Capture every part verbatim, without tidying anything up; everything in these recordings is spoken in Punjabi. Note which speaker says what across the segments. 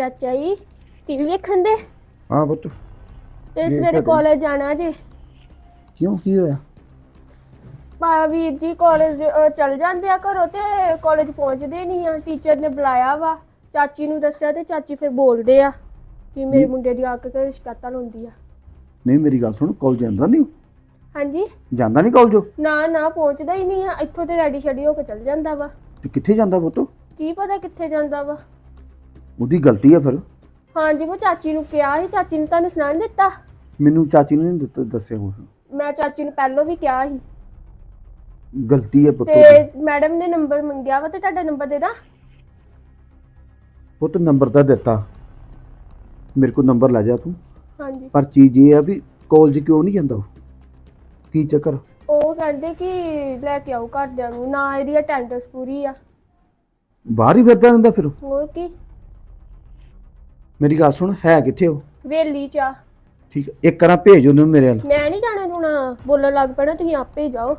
Speaker 1: ਚਾਚਾ ਜੀ ਟੀਵੀ ਵੇਖਣ ਦੇ
Speaker 2: ਹਾਂ ਪੁੱਤ
Speaker 1: ਤੇ ਸਵੇਰੇ ਕਾਲਜ ਜਾਣਾ ਜੇ।
Speaker 2: ਕਿਉਂ ਕੀ ਹੋਇਆ?
Speaker 1: ਪਾ ਵੀਰ ਜੀ ਕਾਲਜ ਚਲ ਜਾਂਦੇ ਆ ਘਰੋਂ ਤੇ ਕਾਲਜ ਪਹੁੰਚਦੇ ਨਹੀਂ ਆ। ਟੀਚਰ ਨੇ ਬੁਲਾਇਆ ਵਾ, ਚਾਚੀ ਨੂੰ ਦੱਸਿਆ ਤੇ ਚਾਚੀ ਫਿਰ ਬੋਲਦੇ ਆ ਕਿ ਮੇਰੇ ਮੁੰਡੇ ਦੀ ਆ ਕੇ ਘਰੇ ਸ਼ਿਕਾਇਤਾਂ ਲਾਉਂਦੀ ਆ।
Speaker 2: ਨਹੀਂ ਮੇਰੀ ਗੱਲ ਸੁਣ, ਕਾਲਜ ਜਾਂਦਾ ਨਹੀਂ?
Speaker 1: ਹਾਂਜੀ
Speaker 2: ਜਾਂਦਾ ਨਹੀਂ ਕਾਲਜ?
Speaker 1: ਨਾ ਨਾ ਪਹੁੰਚਦਾ ਹੀ ਨਹੀਂ ਆ। ਇੱਥੋਂ ਤੇ ਰੈਡੀ ਸ਼ੈਡੀ ਹੋ ਕੇ ਚਲ ਜਾਂਦਾ ਵਾ।
Speaker 2: ਤੇ ਕਿੱਥੇ ਜਾਂਦਾ ਪੁੱਤ?
Speaker 1: ਕੀ ਪਤਾ ਕਿੱਥੇ ਜਾਂਦਾ ਵਾ।
Speaker 2: ਉਹਦੀ ਗਲਤੀ ਆ ਫਿਰ।
Speaker 1: ਹਾਂਜੀ ਮੈਂ ਚਾਚੀ ਨੂੰ ਕਿਹਾ ਸੀ, ਚਾਚੀ ਨੇ ਤੁਹਾਨੂੰ ਸੁਣਾ ਨੀ ਦਿੱਤਾ?
Speaker 2: ਮੈਨੂੰ ਚਾਚੀ ਨੇ ਨਹੀਂ ਦੱਸਿਆ ਕੁਛ।
Speaker 1: ਮੈਂ ਚਾਚੀ ਨੂੰ ਪਹਿਲਾਂ ਵੀ ਕਿਹਾ ਸੀ।
Speaker 2: ਗਲਤੀ ਹੈ ਪੁੱਤ।
Speaker 1: ਤੇ ਮੈਡਮ ਨੇ ਨੰਬਰ ਮੰਗਿਆ ਵਾ ਤੇ ਤੁਹਾਡਾ ਨੰਬਰ ਦੇ ਦਾਂ?
Speaker 2: ਪੁੱਤ ਨੰਬਰ ਤਾਂ ਦਿੱਤਾ, ਮੇਰੇ ਕੋਲ ਨੰਬਰ ਲੈ ਜਾ ਤੂੰ।
Speaker 1: ਹਾਂਜੀ
Speaker 2: ਪਰ ਚੀਜ਼ ਇਹ ਆ ਵੀ ਕਾਲਜ ਕਿਉਂ ਨਹੀਂ ਜਾਂਦਾ ਉਹ? ਕੀ ਚੱਕਰ?
Speaker 1: ਉਹ ਕਹਿੰਦੇ ਕਿ ਲੈ ਕੇ ਆਓ ਘਰਦਿਆਂ ਨੂੰ, ਨਾ ਇਹਦੀ ਅਟੈਂਡੈਂਸ ਪੂਰੀ ਆ।
Speaker 2: ਬਾਹਰ ਹੀ ਫਿਰਦਾ ਰਹਿੰਦਾ ਫਿਰ?
Speaker 1: ਹੋਰ ਕੀ।
Speaker 2: ਮੇਰੀ ਗੱਲ ਸੁਣ, ਹੈ ਕਿੱਥੇ ਉਹ?
Speaker 1: ਵੇਲੀ ਚ ਆ।
Speaker 2: ਠੀਕ ਹੈ, ਇੱਕ ਵਾਰ ਭੇਜ ਉਹਨੂੰ ਮੇਰੇ ਵੱਲ।
Speaker 1: ਮੈਂ ਨਹੀਂ ਜਾਣਾ, ਹੁਣ ਬੋਲਣ ਲੱਗ ਪੈਣਾ, ਤੁਸੀਂ ਆਪੇ ਹੀ ਜਾਓ।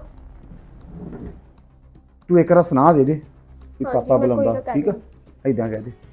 Speaker 2: ਤੂੰ ਇੱਕ ਵਾਰ ਸੁਣਾ ਦੇ ਦੇ ਕਿ
Speaker 1: ਹਾਂਜੀ,
Speaker 2: ਪਾਪਾ
Speaker 1: ਮੈਂ ਕੋਈ
Speaker 2: ਬੁਲਾਉਂਦਾ।
Speaker 1: ਨਾ ਕਹਿ
Speaker 2: ਠੀਕ ਆ, ਏਦਾਂ ਕਹਿ ਦੇ।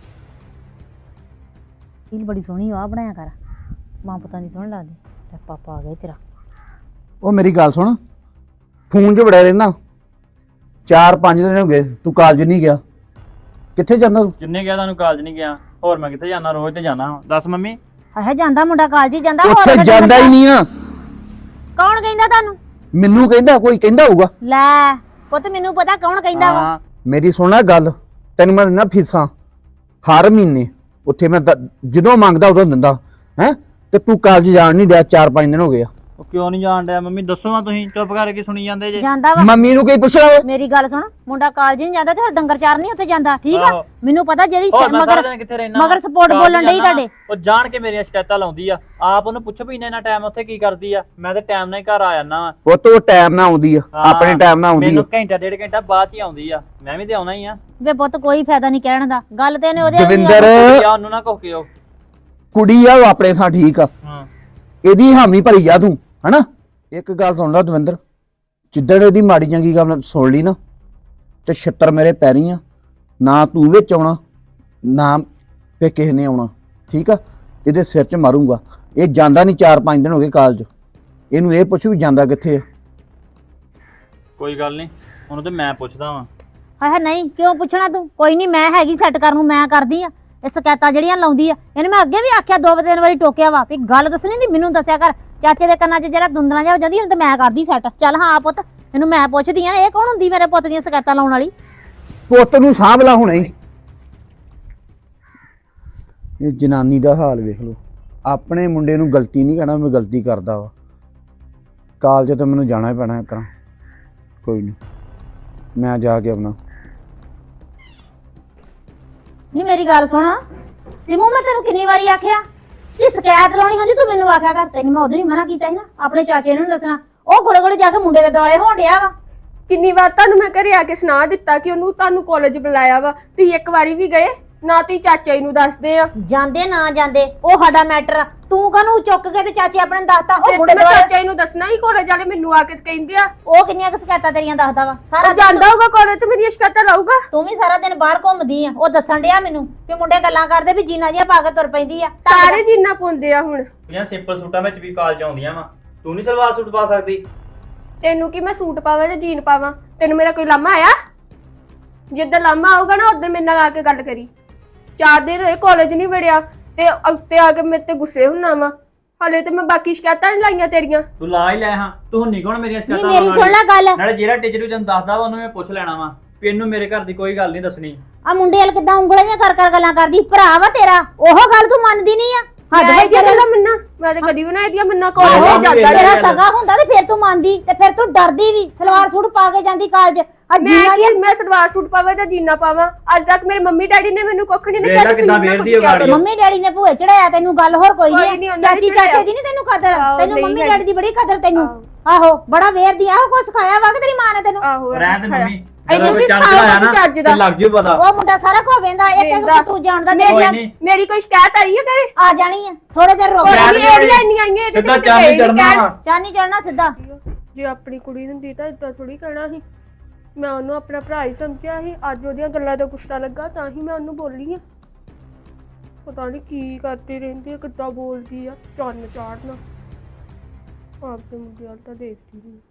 Speaker 3: ਰੀਲ ਬੜੀ ਸੋਹਣੀ ਆ ਬਣਾਇਆ ਕਰ, ਮਾਂ ਪਤਾ ਨਹੀਂ ਸੋਹਣ ਲੱਗਦੀ। ਤੇ ਪਾਪਾ ਆ ਗਿਆ ਤੇਰਾ।
Speaker 2: ਉਹ ਮੇਰੀ ਗੱਲ ਸੁਣ, ਫੋਨ 'ਚ ਵੜਿਆ ਰਹਿਣਾ, ਚਾਰ ਪੰਜ ਦਿਨ ਹੋ ਗਏ ਤੂੰ ਕਾਲਜ ਨਹੀਂ ਗਿਆ। ਕਿੱਥੇ ਜਾਂਦਾ ਤੂੰ?
Speaker 4: ਜਿੰਨੇ ਗਿਆ ਤੁਹਾਨੂੰ ਕਾਲਜ ਨਹੀਂ ਗਿਆ, ਹੋਰ ਮੈਂ ਕਿੱਥੇ ਜਾਣਾ? ਰੋਜ਼ ਤੇ ਜਾਣਾ। ਦੱਸ ਮੰਮੀ।
Speaker 3: ਹੈ ਜਾਂਦਾ ਮੁੰਡਾ ਕਾਲਜ ਹੀ ਜਾਂਦਾ। ਹੋਰ
Speaker 2: ਉੱਥੇ
Speaker 3: ਕਿਤੇ
Speaker 2: ਜਾਂਦਾ ਹੀ ਨਹੀਂ ਆ।
Speaker 3: ਕੌਣ ਕਹਿੰਦਾ ਤੁਹਾਨੂੰ?
Speaker 2: ਮੈਨੂੰ ਕਹਿੰਦਾ, ਕੋਈ ਕਹਿੰਦਾ ਹੋਊਗਾ।
Speaker 3: ਲੈ ਪੁੱਤ ਮੈਨੂੰ ਪਤਾ ਕੌਣ ਕਹਿੰਦਾ ਵਾ।
Speaker 4: ਹਾਂ
Speaker 2: ਮੇਰੀ ਸੁਣਨਾ ਗੱਲ, ਤੈਨੂੰ ਮੈਂ ਦਿੰਦਾ ਫੀਸਾਂ ਹਰ ਮਹੀਨੇ। ਉੱਥੇ ਮੈਂ ਦ- ਜਦੋਂ ਮੰਗਦਾ ਉਦੋਂ ਦਿੰਦਾ ਹੈ। ਤੇ ਤੂੰ ਕਾਲਜ ਜਾਣ ਨਹੀਂ ਡਿਆ, ਚਾਰ ਪੰਜ ਦਿਨ ਹੋ ਗਏ ਆ।
Speaker 4: ਉਹ ਕਿਉਂ ਨਹੀਂ ਜਾਣ ਡਿਆ ਮੰਮੀ? ਦੱਸੋ ਨਾ, ਤੁਸੀਂ ਚੁੱਪ ਕਰਕੇ ਸੁਣੀ ਜਾਂਦੇ ਜੇ।
Speaker 3: ਜਾਂਦਾ ਵਾ।
Speaker 2: ਮੰਮੀ ਨੂੰ ਕੋਈ ਪੁੱਛਿਆ?
Speaker 3: ਮੇਰੀ ਗੱਲ ਸੁਣ, ਮੁੰਡਾ ਕਾਲਜ ਨਹੀਂ ਜਾਂਦਾ ਤੇ ਹੋਰ ਡੰਗਰ ਚਾਰ ਨਹੀਂ ਉੱਥੇ ਜਾਂਦਾ। ਠੀਕ ਆ,
Speaker 4: ਆਹੋ।
Speaker 3: ਮੈਨੂੰ ਪਤਾ ਜਿਹੜੀ
Speaker 4: ਹੋਰ ਮੈਂ ਸਾਰਾ
Speaker 3: ਮਗਰ
Speaker 4: ਦਿਨ ਕਿੱਥੇ ਰਹਿਣਾ?
Speaker 3: ਮਗਰ ਸਪੋਰਟ ਬੋਲਣ ਡਈ ਤੁਹਾਡੇ।
Speaker 4: ਉਹ ਜਾਣ ਕੇ ਮੇਰੀਆਂ ਸ਼ਿਕਾਇਤਾਂ ਲਾਉਂਦੀ ਆ। ਆਪ ਉਹਨੂੰ ਪੁੱਛੋ ਵੀ ਇੰਨਾ ਇੰਨਾ ਟਾਈਮ ਉੱਥੇ ਕੀ ਕਰਦੀ ਆ। ਮੈਂ ਤੇ ਟਾਈਮ ਨਾਲ ਹੀ ਘਰ ਆ ਜਾਣਾ ਵਾ।
Speaker 2: ਉਹ ਤੋਂ ਟਾਈਮ ਨਾਲ ਆਉਂਦੀ ਆ, ਆਪਣੇ ਟਾਈਮ ਨਾਲ ਆਉਂਦੀ ਆ।
Speaker 4: ਮੈਨੂੰ ਘੰਟਾ ਡੇਢ ਘੰਟਾ ਬਾਅਦ ਚ ਹੀ ਆਉਂਦੀ ਆ। ਮੈਂ ਵੀ ਤੇ ਆਉਣਾ ਹੀ ਆ।
Speaker 3: ਵੇ ਪੁੱਤ ਕੋਈ ਫਾਇਦਾ ਨਹੀਂ ਕਹਿਣ ਦਾ, ਗੱਲ ਤੇ ਇਹਨੇ ਉਹਦੇ
Speaker 2: ਦਵਿੰਦਰ
Speaker 4: ਯਾ ਉਹਨੂੰ ਨਾ ਕਹੋ ਉਹ
Speaker 2: ਕੁੜੀ ਆ, ਉਹ ਆਪਣੇ ਥਾਂ ਠੀਕ ਆ।
Speaker 4: ਹਾਂ
Speaker 2: ਇਹਦੀ ਹਾਮੀ ਭਰੀ ਜਾ ਤੂੰ, ਹਨਾ। ਇੱਕ ਗੱਲ ਸੁਣ ਲੈ ਦਵਿੰਦਰ, ਜਿੱਦਣ ਇਹਦੀ ਮਾੜੀ ਚੰਗੀ ਗੱਲ ਸੁਣ ਲਈ ਨਾ ਤੇ ਛਿੱਤਰ ਮੇਰੇ ਪੈਰੀ ਆ। ਨਾ ਤੂੰ ਵਿੱਚ ਆਉਣਾ, ਨਾ ਤੇ ਕਿਸੇ ਨੇ ਆਉਣਾ। ਠੀਕ ਆ, ਇਹਦੇ ਸਿਰ 'ਚ ਮਾਰੂੰਗਾ। ਇਹ ਜਾਂਦਾ ਨਹੀਂ, ਚਾਰ ਪੰਜ ਦਿਨ ਹੋ ਗਏ ਕਾਲਜ। ਇਹਨੂੰ ਇਹ ਪੁੱਛ ਵੀ ਜਾਂਦਾ ਕਿੱਥੇ ਆ।
Speaker 4: ਕੋਈ ਗੱਲ ਨਹੀਂ, ਉਹਨੂੰ ਤੇ ਮੈਂ ਪੁੱਛਦਾ ਵਾਂ।
Speaker 3: ਹਾਏ ਨਹੀਂ ਕਿਉਂ ਪੁੱਛਣਾ ਤੂੰ? ਕੋਈ ਨਹੀਂ, ਮੈਂ ਹੈਗੀ ਸੈੱਟ ਕਰਨ ਨੂੰ, ਮੈਂ ਕਰਦੀ ਆ। ਇਹ ਸ਼ਿਕਾਇਤਾਂ ਜਿਹੜੀਆਂ ਲਾਉਂਦੀ ਆ, ਇਹਨੇ ਮੈਂ ਅੱਗੇ ਵੀ ਆਖਿਆ, ਦੋ ਤਿੰਨ ਵਾਰੀ ਟੋਕਿਆ ਵਾ ਵੀ ਗੱਲ ਦੱਸਣੀ ਨਹੀਂ, ਮੈਨੂੰ ਦੱਸਿਆ ਕਰ। ਚਾਚੇ ਦੇ ਕੰਨਾਂ 'ਚ ਜਿਹੜਾ ਦੁੰਦਣਾ ਜਾ ਹੋ ਜਾਂਦੀ, ਹੁਣ ਤੇ ਮੈਂ ਕਰਦੀ ਸੈੱਟ। ਚੱਲ ਹਾਂ ਪੁੱਤ, ਇਹਨੂੰ ਮੈਂ ਪੁੱਛਦੀ ਆ, ਇਹ ਕੌਣ ਹੁੰਦੀ ਮੇਰੇ ਪੁੱਤ ਦੀਆਂ ਸ਼ਿਕਾਇਤਾਂ ਲਾਉਣ ਵਾਲੀ?
Speaker 2: ਪੁੱਤ ਨੂੰ ਸਾਂਭ ਲਾ ਹੁਣੇ ਹੀ। ਇਹ ਜਨਾਨੀ ਦਾ ਹਾਲ ਵੇਖ ਲਓ। ਆਪਣੇ ਮੁੰਡੇ ਨੂੰ ਗਲਤੀ ਨਹੀਂ ਕਹਿਣਾ, ਮੈਂ ਗਲਤੀ ਕਰਦਾ ਵਾ। ਕਾਲਜ ਤਾਂ ਮੈਨੂੰ ਜਾਣਾ ਹੀ ਪੈਣਾ ਇੱਕ ਤਰ੍ਹਾਂ। ਕੋਈ ਨਹੀਂ, ਮੈਂ ਜਾ ਕੇ ਆਪਣਾ।
Speaker 3: ਨਹੀਂ ਮੇਰੀ ਗੱਲ ਸੁਣ ਸਿਮੂ, ਮੈਂ ਤੈਨੂੰ ਕਿੰਨੀ ਵਾਰੀ ਆਖਿਆ ਕਿ ਸ਼ਿਕਾਇਤ ਲਾਉਣੀ ਹੁੰਦੀ ਤੂੰ ਮੈਨੂੰ ਆਖਿਆ ਕਰ। ਤੈਨੂੰ ਮੈਂ ਉਧਰ ਹੀ ਮਨਾ ਕੀਤਾ ਸੀ ਨਾ, ਆਪਣੇ ਚਾਚੇ ਨੂੰ ਨੀ ਦੱਸਣਾ। ਉਹ ਗੋਲੇ ਗੋਲੇ ਜਾ ਕੇ ਮੁੰਡੇ ਦੇ ਦੁਆਲੇ ਹੋਣ ਡਿਆ ਵਾ।
Speaker 1: ਕਿੰਨੀ ਵਾਰ ਤੁਹਾਨੂੰ ਮੈਂ ਘਰੇ ਆ ਕੇ ਸੁਣਾ ਦਿੱਤਾ ਕਿ ਉਹਨੂੰ ਤੁਹਾਨੂੰ ਕਾਲਜ ਬੁਲਾਇਆ ਵਾ, ਤੁਸੀਂ ਇੱਕ ਵਾਰੀ ਵੀ ਗਏ ਨਾ? ਤੁਸੀਂ ਚਾਚਾ ਜੀ ਨੂੰ ਦੱਸਦੇ ਆ।
Speaker 3: ਜਾਂਦੇ ਨਾ ਜਾਂਦੇ ਉਹ ਸਾਡਾ ਮੈਟਰ ਆ। ਤੂੰ ਕਾਹਨੂੰ ਚੁੱਕ ਕੇ ਤੇ ਚਾਚੇ ਆਪਣੇ ਨੂੰ ਦੱਸਤਾ? ਉਹ
Speaker 1: ਫਿਰ
Speaker 3: ਮੁੰਡੇ
Speaker 1: ਤੇ ਮੈਂ
Speaker 3: ਦੁਆਲੇ
Speaker 1: ਚਾਚਾ ਜੀ ਨੂੰ ਦੱਸਣਾ ਹੀ, ਕਾਲਜ ਵਾਲੇ ਮੈਨੂੰ ਆ ਕੇ ਕਹਿੰਦੇ ਆ।
Speaker 3: ਉਹ ਕਿੰਨੀਆਂ ਕੁ ਸ਼ਿਕਾਇਤਾਂ ਤੇਰੀਆਂ ਦੱਸਦਾ ਵਾ ਸਾਰਾ
Speaker 1: ਉਹ ਜਾਂਦਾ ਹੋਊਗਾ ਕਾਲਜ ਤੇ ਮੇਰੀਆਂ ਸ਼ਿਕਾਇਤਾਂ ਲਾਊਗਾ।
Speaker 3: ਤੂੰ ਵੀ ਸਾਰਾ ਦਿਨ ਬਾਹਰ ਘੁੰਮਦੀ ਆ। ਉਹ ਦੱਸਣ ਡਿਆ ਮੈਨੂੰ ਵੀ ਮੁੰਡੇ ਗੱਲਾਂ ਕਰਦੇ ਵੀ ਜੀਨਾ ਜਿਹਾ ਪਾ ਕੇ ਤੁਰ ਪੈਂਦੀ ਆ।
Speaker 1: ਸਾਰੇ ਜਿੰਨਾ ਪਾਉਂਦੇ ਆ ਹੁਣ।
Speaker 4: ਇਹ ਸਿੰਪਲ ਸੂਟਾਂ ਵਿੱਚ ਵੀ ਕਾਲਜ ਆਉਂਦੀਆਂ ਵਾ। ਤੂੰ ਨਹੀਂ ਸਲਵਾਰ ਸੂਟ ਪਾ ਸਕਦੀ?
Speaker 1: ਤੈਨੂੰ ਕੀ ਮੈਂ ਸੂਟ ਪਾਵਾਂ ਜਾਂ ਜੀਨ ਪਾਵਾਂ? ਤੈਨੂੰ ਮੇਰਾ ਕੋਈ ਲਾਮਾ ਆਇਆ? ਜਿੱਦਾਂ ਲਾਮਾ ਆਊਗਾ ਨਾ ਉਧਰ ਮੇਰੇ ਨਾਲ ਆ ਕੇ ਗੱਲ ਕਰੀ। ਚਾਰ ਦਿਨ ਹੋਏ ਕਾਲਜ ਨਹੀਂ ਵੜਿਆ ਤੇ ਉੱਤੇ ਆ ਕੇ ਮੇਰੇ ਤੇ ਗੁੱਸੇ ਹੁੰਨਾ ਵਾ। ਹਲੇ ਤੇ ਮੈਂ ਬਾਕੀ ਸ਼ਿਕਾਇਤਾਂ ਨਹੀਂ ਲਾਈਆਂ ਤੇਰੀਆਂ।
Speaker 4: ਤੂੰ ਲਾ ਹੀ ਲੈ ਹਾਂ। ਤੂੰ ਨਹੀਂ ਕੋਣ ਮੇਰੀਆਂ
Speaker 3: ਨਹੀਂ
Speaker 4: ਸ਼ਿਕਾਇਤਾਂ
Speaker 3: ਮੇਰੀ ਸੁਣ ਲੈ ਗੱਲ।
Speaker 4: ਨਾਲੇ ਜਿਹੜਾ ਟੀਚਰ ਵੀ ਤੈਨੂੰ ਦੱਸਦਾ ਵਾ ਉਹਨੂੰ ਮੈਂ ਪੁੱਛ ਲੈਣਾ ਵਾ ਵੀ ਇਹਨੂੰ ਮੇਰੇ ਘਰ ਦੀ ਕੋਈ ਗੱਲ ਨਹੀਂ ਦੱਸਣੀ।
Speaker 3: ਆ ਮੁੰਡੇ ਵਾਲ ਕਿਦਾਂ ਉਂਗਲਾਂ ਜਿਹੀਆਂ ਕਰ ਕਰ ਗੱਲਾਂ ਕਰਦੀ। ਭਰਾ ਵਾ ਤੇਰਾ, ਉਹ ਗੱਲ ਤੂੰ ਮੰਨਦੀ ਨਹੀਂ ਆ।
Speaker 1: ਮੈਂ ਇਹਦੀਆਂ ਗੱਲਾਂ ਮੰਨਾਂ? ਮੈਂ ਤੇ ਕਦੀ ਵੀ ਨਾ ਇਹਦੀਆਂ ਮੰਨਾਂ। ਕਾਲਜ
Speaker 4: ਆਹੋ,
Speaker 1: ਜਾਂਦਾ
Speaker 3: ਤੇਰਾ
Speaker 1: ਰਿਹਾ।
Speaker 3: ਸਗਾ ਹੁੰਦਾ ਤੇ ਫਿਰ ਤੂੰ ਮੰਨਦੀ, ਤੇ ਫਿਰ ਤੂੰ ਡਰਦੀ ਵੀ। ਸਲਵਾਰ ਸੂਟ ਪਾ ਕੇ ਜਾਂਦੀ ਕਾਲਜ। ਆ
Speaker 1: ਮੈਂ
Speaker 3: ਜੀਨਾ
Speaker 1: ਕੀ ਮੈਂ ਸਲਵਾਰ ਸੂਟ ਪਾਵਾਂ ਜਾਂ ਜੀਨਾ ਪਾਵਾਂ? ਅੱਜ ਤੱਕ ਮੇਰੇ ਮੰਮੀ ਡੈਡੀ ਨੇ ਮੈਨੂੰ ਕੁੱਖ ਨਹੀਂ
Speaker 4: ਵੇਖ
Speaker 1: ਕਿਹਾ
Speaker 4: ਲੈ
Speaker 1: ਕਿ
Speaker 4: ਕਿੱਦਾਂ
Speaker 1: ਤੁਸੀਂ ਨਾ ਕੁਝ
Speaker 4: ਵੇਖਦੀ ਆ
Speaker 1: ਕਿਹਾ
Speaker 4: ਗਾੜੀ।
Speaker 1: ਕਰੋ।
Speaker 3: ਮੰਮੀ ਡੈਡੀ ਨੇ ਭੂਏ ਚੜਾਇਆ ਤੈਨੂੰ, ਗੱਲ ਹੋਰ ਕੋਈ
Speaker 1: ਕੋਈ ਨੀ,
Speaker 3: ਨਹੀਂ।
Speaker 1: ਉਹਨਾਂ ਨੇ
Speaker 3: ਚਾਚੀ
Speaker 1: ਚੜਾਇਆ।
Speaker 3: ਚਾਚੇ ਦੀ ਨਹੀਂ ਤੈਨੂੰ ਕਦਰ,
Speaker 1: ਆਹੋ,
Speaker 3: ਤੈਨੂੰ
Speaker 1: ਨਹੀਂ
Speaker 3: ਮੰਮੀ
Speaker 1: ਹੈਗੀ।
Speaker 3: ਡੈਡੀ ਦੀ ਬੜੀ ਕਦਰ ਤੈਨੂੰ। ਆਹੋ ਬੜਾ ਵੇਰਦੀ ਆ। ਉਹ ਕੁਛ ਸਿਖਾਇਆ ਵਾ ਕਿ ਤੇਰੀ ਮਾਂ ਨੇ ਤੈਨੂੰ?
Speaker 1: ਆਹੋ
Speaker 4: ਰਹਿਣ ਦੇ ਮੰਮੀ,
Speaker 1: ਇਹਨੂੰ
Speaker 4: ਜਦੋਂ
Speaker 1: ਵੀ
Speaker 4: ਚੰਦ
Speaker 1: ਸਿਖਾਓ
Speaker 4: ਆਇਆ
Speaker 1: ਕੁਝ ਚੱਜ
Speaker 4: ਨਾ
Speaker 1: ਦਾ।
Speaker 4: ਤੇ ਲੱਗ ਜੂ ਪਤਾ।
Speaker 3: ਉਹ ਮੁੰਡਾ ਸਾਰਾ ਕੋ ਵੇਂਦਾ। ਇੱਕ ਇੱਕ
Speaker 1: ਵੇਂਹਦਾ।
Speaker 3: ਤੂੰ ਜਾਣਦਾ
Speaker 1: ਮੇਰੀ-
Speaker 4: ਕੋਈ ਨੀ।
Speaker 1: ਮੇਰੀ ਕੋਈ ਸ਼ਿਕਾਇਤ ਆਈ ਹੈ ਘਰੇ?
Speaker 3: ਆ ਜਾਣੀ ਆ ਥੋੜੇ ਦਿਨ ਰੁਕ
Speaker 1: ਕੋਈ
Speaker 3: ਜਾ।
Speaker 1: ਨਹੀਂ, ਇਹਦੀਆਂ ਇੰਨੀਆਂ ਆਈਆਂ ਇਹਦੇ
Speaker 4: ਸਿੱਧਾ
Speaker 1: ਤੇ
Speaker 4: ਚਾਂਦੀ
Speaker 1: ਗਏ ਨੀ
Speaker 4: ਚੜਨਾ
Speaker 1: ਕਹਿਣ।
Speaker 4: ਵਾ।
Speaker 3: ਚਾਨੀ ਚੜਨਾ ਸਿੱਧਾ।
Speaker 1: ਜੇ ਆਪਣੀ ਕੁੜੀ ਹੁੰਦੀ ਤਾਂ ਇਦਾਂ ਥੋੜੀ ਕਹਿਣਾ ਸੀ। ਮੈਂ ਉਹਨੂੰ ਆਪਣਾ ਭਰਾ ਹੀ ਸਮਝਿਆ ਸੀ। ਅੱਜ ਉਹਦੀਆਂ ਗੱਲਾਂ ਦਾ ਗੁੱਸਾ ਲੱਗਾ ਤਾਂ ਹੀ ਮੈਂ ਉਹਨੂੰ ਬੋਲੀ ਆ। ਪਤਾ ਨਹੀਂ ਕੀ ਕਰਦੀ ਰਹਿੰਦੀ ਆ, ਕਿੱਦਾਂ ਬੋਲਦੀ ਆ, ਚੰਨ ਚਾੜਨਾ। ਆਪ ਤੇ ਮੁੰਡੇ ਵੱਲ ਤਾਂ ਦੇਖਦੀ ਨਹੀਂ।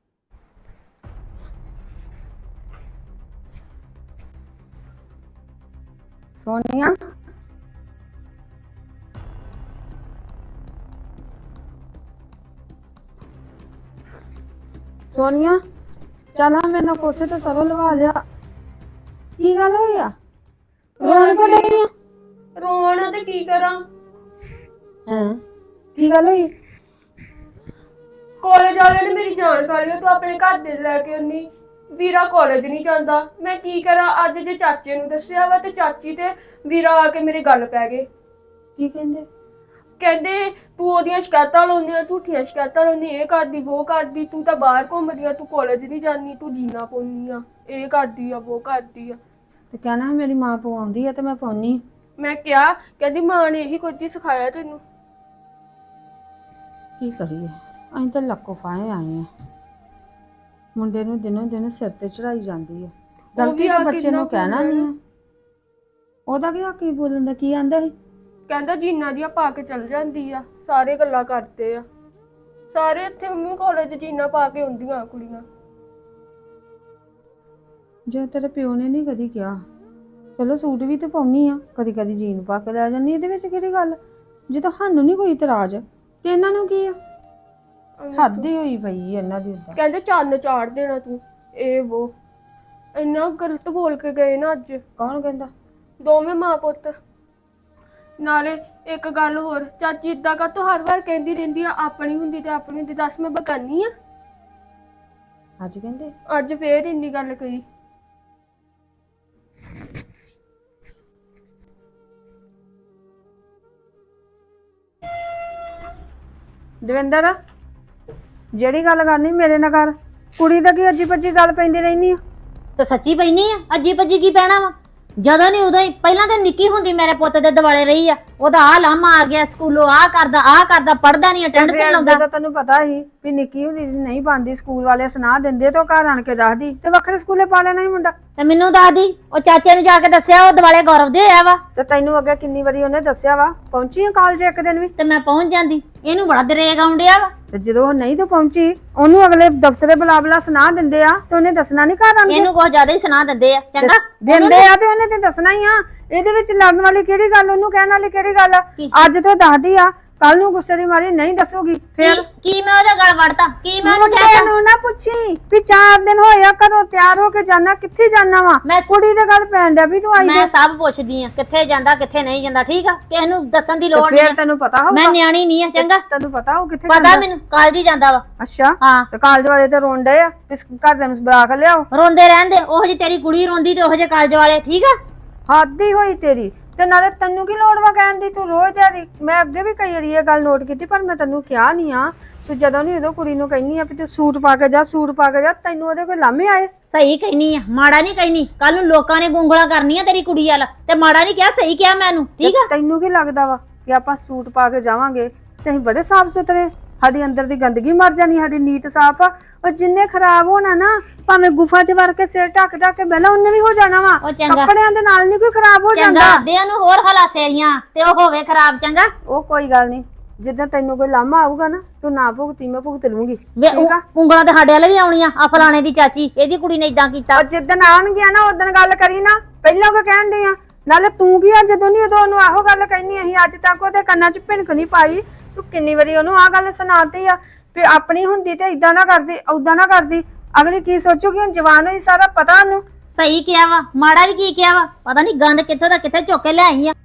Speaker 5: ਸੋਨੀਆ ਸੋਨੀਆ ਚੱਲ ਹਾਂ ਮੇਰੇ ਨਾਲ ਕੋਠੇ ਤੇ ਸਰੋਂ ਲਵਾ ਲਿਆ। ਕੀ ਗੱਲ ਹੋਈ ਆ? ਰੋਣ ਕੋ ਡਈ ਆ?
Speaker 1: ਰੋਣਾ ਤੇ ਕੀ ਕਰਾਂ?
Speaker 5: ਹਾਂ ਕੀ ਗੱਲ ਹੋਈ?
Speaker 1: ਕਾਲਜ ਵਾਲਿਆਂ ਨੇ ਮੇਰੀ ਜਾਨ ਖਾ ਲਈ। ਤੂੰ ਆਪਣੇ ਘਰ ਦੇ ਲੈ ਕੇ ਆਉਣੀ। ਵੀਰਾ ਕਾਲਜ ਨਹੀਂ ਜਾਂਦਾ। ਮੈਂ ਕੀ ਕਰਾਂ? ਅੱਜ ਜੇ ਚਾਚੇ ਨੂੰ ਦੱਸਿਆ ਵਾ ਤੇ ਚਾਚੀ ਤੇ ਵੀਰਾ ਆ ਕੇ ਮੇਰੇ ਗੱਲ ਪੈ ਗਏ।
Speaker 5: ਕੀ ਕਹਿੰਦੇ?
Speaker 1: ਕਹਿੰਦੇ ਤੂੰ ਉਹਦੀਆਂ ਸ਼ਿਕਾਇਤਾਂ ਲਾਉਂਦੀ ਆ, ਝੂਠੀਆਂ ਸ਼ਿਕਾਇਤਾਂ ਲਾਉਂਦੀ, ਇਹ ਕਰਦੀ ਉਹ ਕਰਦੀ, ਤੂੰ ਤਾਂ ਬਾਹਰ ਘੁੰਮਦੀ ਆ, ਤੂੰ ਕਾਲਜ ਨਹੀਂ ਜਾਂਦੀ, ਤੂੰ ਜੀਨਾ ਪਾਉਂਦੀ ਆ, ਇਹ ਕਰਦੀ ਆ ਉਹ ਕਰਦੀ ਆ।
Speaker 5: ਤੇ ਕਹਿਣਾ ਮੇਰੀ ਮਾਂ ਪਵਾਉਂਦੀ ਆ ਤੇ ਮੈਂ ਪਾਉਣੀ।
Speaker 1: ਮੈਂ ਕਿਹਾ, ਕਹਿੰਦੀ ਮਾਂ ਨੇ ਇਹੀ ਕੁਝ ਹੀ ਸਿਖਾਇਆ ਤੈਨੂੰ।
Speaker 5: ਕੀ ਕਰੀਏ ਅਸੀਂ ਤਾਂ ਲੱਕੋ ਫਾਏ ਆਏ ਆ। ਮੁੰਡੇ ਨੂੰ ਦਿਨੋਂ ਦਿਨ ਸਿਰ ਤੇ ਚੜਾਈ ਜਾਂਦੀ ਆ। ਗਲਤੀ ਤਾਂ ਬੱਚੇ ਨੂੰ ਕਹਿਣਾ ਨਹੀਂ ਆ। ਉਹਦਾ ਕੀ ਹੱਕ ਹੀ ਬੋਲਣ ਦਾ? ਕੀ ਆਂਦਾ ਸੀ?
Speaker 1: ਕਹਿੰਦਾ ਜੀਨਾ ਦੀਆਂ ਪਾ ਕੇ ਚਲ ਜਾਂਦੀ ਆ, ਸਾਰੇ ਗੱਲਾਂ ਕਰਦੇ ਆ ਸਾਰੇ। ਇੱਥੇ ਮੰਮੀ ਕਾਲਜ ਜੀਨਾ ਪਾ ਕੇ ਹੁੰਦੀਆਂ ਕੁੜੀਆਂ।
Speaker 5: ਜੇ ਤੇਰੇ ਪਿਓ ਨੇ ਨਹੀਂ ਕਦੀ ਕਿਹਾ, ਚਲੋ ਸੂਟ ਵੀ ਤੇ ਪਾਉਣੀ ਆ, ਕਦੀ ਕਦੀ ਜੀਨ ਪਾ ਕੇ ਲੈ ਜਾਂਦੀ, ਇਹਦੇ ਵਿੱਚ ਕਿਹੜੀ ਗੱਲ? ਜੇ ਤਾਂ ਸਾਨੂੰ ਨਹੀਂ ਕੋਈ ਇਤਰਾਜ਼ ਤੇ ਇਹਨਾਂ ਨੂੰ ਕੀ ਆ? ਹੱਦ ਹੀ ਹੋਈ ਪਈ ਇਹਨਾਂ ਦੀ। ਉਦਾਂ
Speaker 1: ਕਹਿੰਦੇ ਚੰਨ ਚਾੜ ਦੇਣਾ ਤੂੰ, ਇਹ ਉਹ ਇੰਨਾ ਗਲਤ ਬੋਲ ਕੇ ਗਏ ਨਾ ਅੱਜ।
Speaker 5: ਕੌਣ ਕਹਿੰਦਾ?
Speaker 1: ਦੋਵੇਂ ਮਾਂ ਪੁੱਤ। ਨਾਲੇ ਇੱਕ ਗੱਲ ਹੋਰ, ਚਾਚੀ ਇਦਾਂ ਕਾ ਤੂੰ ਹਰ ਵਾਰ ਕਹਿੰਦੀ ਰਹਿੰਦੀ ਆ ਆਪਣੀ ਹੁੰਦੀ ਤੇ ਆਪਣੀ ਹੁੰਦੀ। ਦੱਸ ਮੈਂ ਬਗਾਨੀ ਆ?
Speaker 5: ਅੱਜ ਕਹਿੰਦੇ?
Speaker 1: ਅੱਜ ਫੇਰ ਇੰਨੀ ਗੱਲ ਕਹੀ।
Speaker 5: ਦਵਿੰਦਰ ਜਿਹੜੀ ਗੱਲ ਕਰਨੀ ਮੇਰੇ ਨਾਲ ਕਰ। ਕੁੜੀ ਦਾ ਕੀ ਅੱਜੀ ਪੱਜੀ ਗੱਲ ਪੈਂਦੀ ਰਹਿਨੀ ਆ?
Speaker 3: ਤੇ ਸੱਚੀ ਪੈਣੀ ਆ? ਅੱਜੀ ਭੱਜੀ ਕੀ ਪੈਣਾ ਵਾ? ਜਦੋਂ ਨਹੀਂ ਉਦੋਂ ਹੀ। ਪਹਿਲਾਂ ਤਾਂ ਨਿੱਕੀ ਹੁੰਦੀ ਮੇਰੇ ਪੁੱਤ ਦੇ ਦਿਵਾਲੇ ਰਹੀ ਆ। ਉਹਦਾ ਆ ਲਾਮਾ ਆ ਗਿਆ, ਸਕੂਲੋਂ ਆ ਕਰਦਾ ਆ ਕਰਦਾ, ਪੜਦਾ ਨਹੀਂ, ਅਟੈਂਡੈਂਸ ਨਹੀਂ ਲਾਉਂਦਾ।
Speaker 5: ਜਦੋਂ ਤੈਨੂੰ ਪਤਾ ਸੀ ਵੀ ਨਿੱਕੀ ਹੁੰਦੀ ਨਹੀਂ ਪਾਉਂਦੀ, ਸਕੂਲ ਵਾਲੇ ਸੁਣਾ ਦਿੰਦੇ ਤੇ ਉਹ ਘਰ ਆਣ ਕੇ ਦੱਸਦੀ ਤੇ ਵੱਖਰੇ ਸਕੂਲੇ ਪਾ ਲੈਣਾ ਹੀ ਮੁੰਡਾ।
Speaker 3: ਤੇ ਮੈਨੂੰ ਦੱਸਦੀ, ਉਹ ਚਾਚੇ ਨੂੰ ਜਾ ਕੇ ਦੱਸਿਆ, ਉਹ ਦਿਵਾਲੇ ਗੌਰਵ ਦੇ ਆਇਆ ਵਾ।
Speaker 5: ਤੇ ਤੈਨੂੰ ਅੱਗੇ ਕਿੰਨੀ ਵਾਰੀ ਉਹਨੇ ਦੱਸਿਆ ਵਾ? ਪਹੁੰਚੀ ਆ ਕਾਲਜ ਇੱਕ ਦਿਨ ਵੀ?
Speaker 3: ਤੇ ਮੈਂ ਪਹੁੰਚ ਜਾਂਦੀ। ਇਹਨੂੰ ਬੜਾ ਦਰੇਗ ਆਉਂਦਿਆ ਵਾ।
Speaker 5: ਤੇ ਜਦੋਂ ਉਹ ਨਹੀਂ ਤਾਂ ਪਹੁੰਚੀ, ਉਹਨੂੰ ਅਗਲੇ ਦਫ਼ਤਰੇ ਬੁਲਾ ਬੁਲਾ ਸੁਣਾ ਦਿੰਦੇ ਆ ਤੇ ਉਹਨੇ ਦੱਸਣਾ ਨਹੀਂ ਘਰ ਆਣ ਕੇ?
Speaker 3: ਇਹਨੂੰ ਕੁਝ ਜ਼ਿਆਦਾ ਹੀ ਸੁਣਾ ਦਿੰਦੇ ਆ। ਚੰਗਾ
Speaker 5: ਦਿੰਦੇ ਆ ਤੇ ਉਹਨੇ ਤੇ ਦੱਸਣਾ ਹੀ ਆ। ਇਹਦੇ ਵਿੱਚ ਲੜਨ ਵਾਲੀ ਕਿਹੜੀ ਗੱਲ? ਉਹਨੂੰ ਕਹਿਣ ਵਾਲੀ ਕਿਹੜੀ ਗੱਲ?
Speaker 3: ਕੀ?
Speaker 5: ਅੱਜ ਤੇ ਦੱਸਦੀ ਆ, ਕੱਲ ਨੂੰ ਗੁੱਸੇ ਦੀ ਮਾਰੀ ਨਹੀਂ ਦੱਸੂਗੀ ਫੇਰ।
Speaker 3: ਕੀ ਕੀ ਮੈਂ ਉਹਦੇ ਗਲ ਵੜਤਾ? ਕੀ ਮੈਂ ਉਹਨੂੰ
Speaker 5: ਮੁੰਡੇ
Speaker 3: ਕਹਿਤਾ?
Speaker 5: ਨੂੰ ਨਾ ਪੁੱਛੀ ਵੀ ਚਾਰ ਦਿਨ ਹੋਇਆ ਕਦੋਂ ਤਿਆਰ ਹੋ ਕੇ ਜਾਣਾ, ਕਿੱਥੇ ਜਾਣਾ ਵਾ?
Speaker 3: ਮੈਂ
Speaker 5: ਕੁੜੀ ਦੇ ਗੱਲ ਪੈਣ ਡਿਆ ਵੀ ਤੂੰ ਆਈ
Speaker 3: ਮੈਂ ਸਭ ਪੁੱਛਦੀ ਆ, ਕਿੱਥੇ ਜਾਂਦਾ ਕਿੱਥੇ ਨਹੀਂ ਜਾਂਦਾ। ਠੀਕ ਆ, ਕਿਸੇ ਨੂੰ ਦੱਸਣ ਦੀ ਲੋੜ
Speaker 5: ਫੇਰ
Speaker 3: ਨਹੀਂ।
Speaker 5: ਤੈਨੂੰ ਪਤਾ ਹੋਊਗਾ?
Speaker 3: ਮੈਂ ਨਿਆਣੀ ਨਹੀਂ ਆ। ਚੰਗਾ
Speaker 5: ਤੈਨੂੰ ਪਤਾ ਹੋ ਕਿੱਥੇ
Speaker 3: ਪਤਾ ਮੈਨੂੰ, ਕਾਲਜ ਹੀ ਜਾਂਦਾ ਵਾ।
Speaker 5: ਅੱਛਾ
Speaker 3: ਹਾਂ,
Speaker 5: ਤੇ ਕਾਲਜ ਵਾਲੇ ਤੇ ਰੋਣ ਡਏ ਆ ਵੀ ਘਰ ਦੇ ਨੂੰ ਬੁਲਾ ਕੇ ਲਿਆਓ।
Speaker 3: ਰੋਂਦੇ ਰਹਿੰਦੇ। ਉਹੋ ਜਿਹੀ ਤੇਰੀ ਕੁੜੀ ਰੋਂਦੀ ਤੇ ਉਹੋ ਜਿਹੇ ਕਾਲਜ ਵਾਲੇ। ਠੀਕ ਆ,
Speaker 5: ਹੱਦ ਹੀ ਹੋਈ ਤੇਰੀ। ਤੇ ਨਾਲੇ ਤੈਨੂੰ ਕੀ ਲੋੜ ਵਾ ਕਹਿਣ ਦੀ? ਤੂੰ ਰੋਜ਼ ਦਿਹਾੜੀ, ਮੈਂ ਅੱਗੇ ਵੀ ਕਈ ਵਾਰੀ ਇਹ ਗੱਲ ਨੋਟ ਕੀਤੀ ਪਰ ਮੈਂ ਤੈਨੂੰ ਕਿਹਾ ਨਹੀਂ ਆ। ਤੂੰ ਜਦੋਂ ਨਹੀਂ ਉਦੋਂ ਕੁੜੀ ਨੂੰ ਕਹਿੰਦੀ ਆ ਵੀ ਤੂੰ ਸੂਟ ਪਾ ਕੇ ਜਾ, ਸੂਟ ਪਾ ਕੇ ਜਾ, ਤੈਨੂੰ ਉਹਦੇ ਕੋਈ ਲਾਮੇ ਆਏ?
Speaker 3: ਸਹੀ ਕਹਿਨੀ ਆ, ਮਾੜਾ ਨਹੀਂ ਕਹਿਨੀ। ਕੱਲ ਨੂੰ ਲੋਕਾਂ ਨੇ ਗੁੰਗਲਾਂ ਕਰਨੀਆਂ ਤੇਰੀ ਕੁੜੀ ਵਾਲਾ, ਤੇ ਮਾੜਾ ਨਹੀਂ ਕਿਹਾ, ਸਹੀ ਕਿਹਾ ਮੈਨੂੰ। ਠੀਕ ਆ,
Speaker 5: ਤੈਨੂੰ ਕੀ ਲੱਗਦਾ ਵਾ ਕਿ ਆਪਾਂ ਸੂਟ ਪਾ ਕੇ ਜਾਵਾਂਗੇ ਤੇ ਅਸੀਂ ਬੜੇ ਸਾਫ ਸੁਥਰੇ? ਸਾਡੀ ਅੰਦਰ ਦੀ ਗੰਦਗੀ ਮਰ ਜਾਣੀ, ਸਾਡੀ ਨੀਤ ਸਾਫ ਆ। ਉਹ ਜਿੰਨੇ ਖਰਾਬ ਹੋਣਾ ਨਾ, ਭਾਵੇਂ ਗੁਫਾ 'ਚ ਵੜ ਕੇ ਸਿਰ ਢੱਕ ਢੱਕ ਕੇ ਬਹਿਲਾ, ਉਹਨੇ ਵੀ ਹੋ ਜਾਣਾ ਵਾ।
Speaker 3: ਉਹ ਚੰਗਾ,
Speaker 5: ਕੱਪੜਿਆਂ ਦੇ ਨਾਲ ਨਹੀਂ ਕੋਈ ਖਰਾਬ ਹੋ ਜਾਂਦਾ।
Speaker 3: ਚੰਗਾ ਦੇ ਉਹਨੂੰ ਹੋਰ ਹਲਾ ਸੇਰੀਆਂ ਤੇ ਉਹ ਹੋਵੇ ਖਰਾਬ। ਚੰਗਾ,
Speaker 5: ਉਹ ਕੋਈ ਗੱਲ ਨਹੀਂ, ਜਿੱਦਾਂ ਤੈਨੂੰ ਕੋਈ ਲਾਮਾ ਆਊਗਾ ਨਾ, ਤੂੰ ਨਾ ਭੁਗਤੀ, ਮੈਂ ਭੁਗਤ ਲੂੰਗੀ।
Speaker 3: ਵੇ
Speaker 5: ਠੀਕ ਆ?
Speaker 3: ਉਂਗਲਾਂ ਤੇ ਸਾਡੇ ਵਾਲੇ ਵੀ ਆਉਣੀਆਂ। ਆ ਫਲਾਣੇ ਦੀ ਚਾਚੀ, ਇਹਦੀ ਕੁੜੀ ਨੇ ਇਦਾਂ ਕੀਤਾ।
Speaker 5: ਔਰ ਜਿੱਦਣ ਆਉਣਗੀਆਂ ਨਾ ਉਦੋਂ ਗੱਲ ਕਰੀ ਨਾ, ਪਹਿਲਾਂ ਉਹ ਕਹਿਣ ਡਈ ਆ। ਨਾਲੇ ਤੂੰ ਕੀ ਆ, ਜਦੋਂ ਨਹੀਂ ਉਦੋਂ ਉਹਨੂੰ ਆਹੋ ਗੱਲ ਕਹਿਨੀ। ਅਸੀਂ ਅੱਜ ਤੱਕ ਉਹਦੇ ਕੰਨਾਂ 'ਚ ਭਿਣਕ ਨਹੀਂ ਪਾਈ। ਤੂੰ ਕਿੰਨੀ ਵਾਰੀ ਉਹਨੂੰ ਆਹ ਗੱਲ ਸੁਣਾਤੀ ਆ ਵੀ ਆਪਣੀ ਹੁੰਦੀ ਤੇ ਇਦਾਂ ਨਾ ਕਰਦੀ, ਉਦਾਂ ਨਾ ਕਰਦੀ। ਅਗਲੀ ਕੀ ਸੋਚੂਗੀ? ਹੁਣ ਜਵਾਨ ਹੋਈ, ਸਾਰਾ ਪਤਾ ਉਹਨੂੰ।
Speaker 3: ਸਹੀ ਕਿਹਾ ਵਾ, ਮਾੜਾ ਵੀ ਕੀ ਕਿਹਾ ਵਾ? ਪਤਾ ਨਹੀਂ ਗੰਦ ਕਿੱਥੋਂ ਦਾ ਕਿੱਥੇ ਚੁੱਕ ਕੇ ਲੈ ਆਈ ਆ।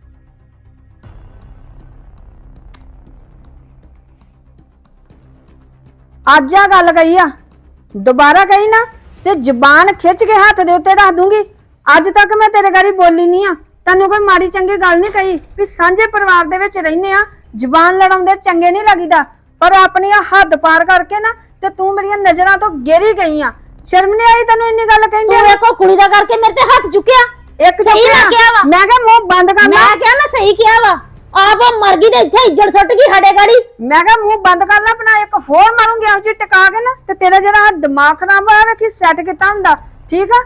Speaker 5: ਅੱਜ ਆ ਗੱਲ ਕਹੀ ਆ, ਦੁਬਾਰਾ ਕਹੀ ਨਾ ਤੇ ਜ਼ਬਾਨ ਖਿੱਚ ਕੇ ਹੱਥ ਦੇ ਉੱਤੇ ਰੱਖ ਦੂੰਗੀ। ਅੱਜ ਤੱਕ ਮੈਂ ਤੇਰੇ ਗਾੜੀ ਬੋਲੀ ਨਹੀਂ ਆ, ਤੈਨੂੰ ਕੋਈ ਮਾੜੀ ਚੰਗੀ ਗੱਲ ਨਹੀਂ ਕਹੀ ਵੀ ਸਾਂਝੇ ਪਰਿਵਾਰ ਦੇ ਵਿੱਚ ਰਹਿੰਦੇ ਆ, ਜ਼ਬਾਨ ਲੜਾਉਂਦੇ ਚੰਗੇ ਨਹੀਂ ਲੱਗੀਦਾ। ਪਰ ਆਪਣੀ ਆ ਹੱਦ ਪਾਰ ਕਰਕੇ ਨਾ ਤੇ ਤੂੰ ਮੇਰੀਆਂ ਨਜ਼ਰਾਂ ਤੋਂ ਗੇਰੀ ਗਈ ਆ। ਸ਼ਰਮ ਨਹੀਂ ਆਈ ਤੈਨੂੰ ਇੰਨੀ ਗੱਲ ਕਹਿੰਦੇ?
Speaker 3: ਤੂੰ ਵੇਖੋ ਕੁੜੀ ਦਾ ਕਰਕੇ ਮੇਰੇ ਤੇ ਹੱਥ ਚੁੱਕਿਆ।
Speaker 5: ਇੱਕ
Speaker 3: ਸਹੀ
Speaker 5: ਚੁੱਕਿਆ।
Speaker 3: ਮੈਂ ਕਿਹਾ ਵਾ।
Speaker 5: ਮੈਂ ਕਿਹਾ ਮੂੰਹ ਬੰਦ ਕਰ ਲੈ।
Speaker 3: ਮੈਂ ਕਿਹਾ ਮੈਂ ਸਹੀ ਕਿਹਾ ਵਾ। ਆਪ ਉਹ ਮਰ ਗਈ ਤੇ ਇੱਥੇ ਇੱਜੜ ਸੁੱਟ ਗਈ ਸਾਡੇ ਗਾੜੀ।
Speaker 5: ਮੈਂ ਕਿਹਾ ਮੂੰਹ ਬੰਦ ਕਰ ਲੈ ਆਪਣਾ। ਇੱਕ ਹੋਰ ਮਾਰੂੰਗੀ ਆਪ ਜੀ ਟਿਕਾ ਕੇ ਨਾ ਤੇ ਤੇਰਾ ਜਿਹੜਾ ਦਿਮਾਗ ਖਰਾਬ ਹੋਇਆ ਵੇਖੀ ਸੈੱਟ ਕੀਤਾ ਹੁੰਦਾ। ਠੀਕ ਆ,